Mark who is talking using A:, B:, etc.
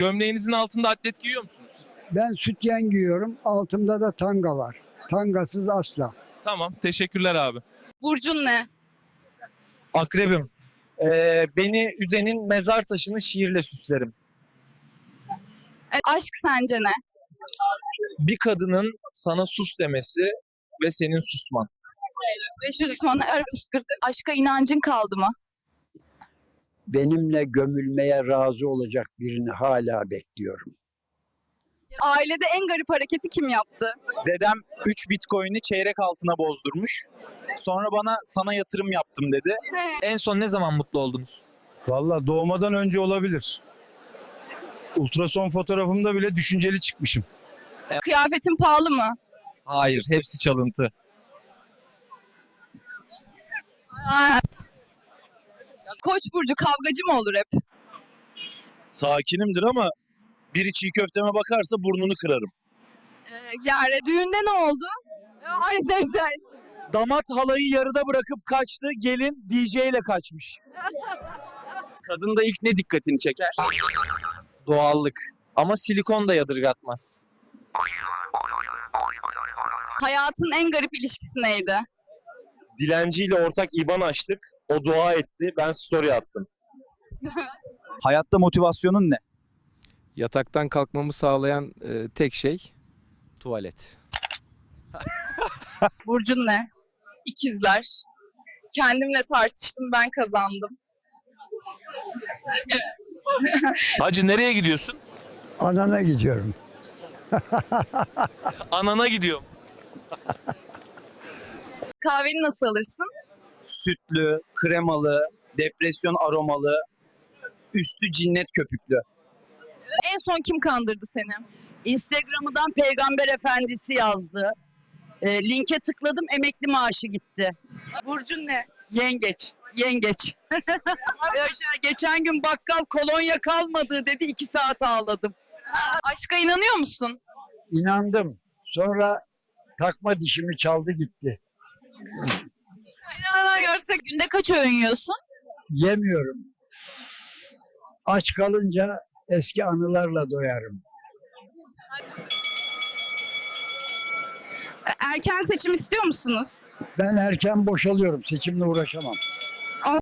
A: Gömleğinizin altında atlet giyiyor musunuz?
B: Ben sütyen giyiyorum. Altımda da tanga var. Tangasız asla.
A: Tamam, teşekkürler abi.
C: Burcun ne?
D: Akrebim. Beni üzenin mezar taşını şiirle süslerim.
C: Aşk sence ne?
D: Bir kadının sana sus demesi ve senin susman.
C: 500 sonra aşka inancın kaldı mı?
B: Benimle gömülmeye razı olacak birini hala bekliyorum.
C: Ailede en garip hareketi kim yaptı?
D: Dedem 3 bitcoin'i çeyrek altına bozdurmuş. Sonra bana sana yatırım yaptım dedi. En son ne zaman mutlu oldunuz?
E: Valla doğmadan önce olabilir. Ultrason fotoğrafımda bile düşünceli çıkmışım.
C: Kıyafetin pahalı mı?
D: Hayır, hepsi çalıntı.
C: Koç burcu kavgacı mı olur hep?
F: Sakinimdir ama biri çiğ köfteme bakarsa burnunu kırarım.
C: Yani düğünde ne oldu?
D: Damat halayı yarıda bırakıp kaçtı, gelin DJ ile kaçmış. Kadında ilk ne dikkatini çeker? Doğallık. Ama silikon da yadırgatmaz.
C: Hayatın en garip ilişkisi neydi?
F: Dilenciyle ortak IBAN açtık. O dua etti. Ben story attım.
D: Hayatta motivasyonun ne?
G: Yataktan kalkmamı sağlayan tek şey tuvalet.
C: Burcun ne? İkizler. Kendimle tartıştım, ben kazandım.
A: Hacı nereye gidiyorsun?
B: Anana gidiyorum.
A: Anana gidiyorum.
C: Kahveni nasıl alırsın?
D: Sütlü, kremalı, depresyon aromalı, üstü cinnet köpüklü.
C: En son kim kandırdı seni?
H: Instagram'dan Peygamber Efendisi yazdı. Linke tıkladım, emekli maaşı gitti. Burcun ne? Yengeç. Yengeç. Geçen gün bakkal kolonya kalmadı dedi, 2 saat ağladım.
C: Aşka inanıyor musun?
B: İnandım. Sonra takma dişimi çaldı gitti.
C: Görsek günde kaç öğün yiyorsun?
B: Yemiyorum. Aç kalınca eski anılarla doyarım.
C: Erken seçim istiyor musunuz?
B: Ben erken boşalıyorum. Seçimle uğraşamam.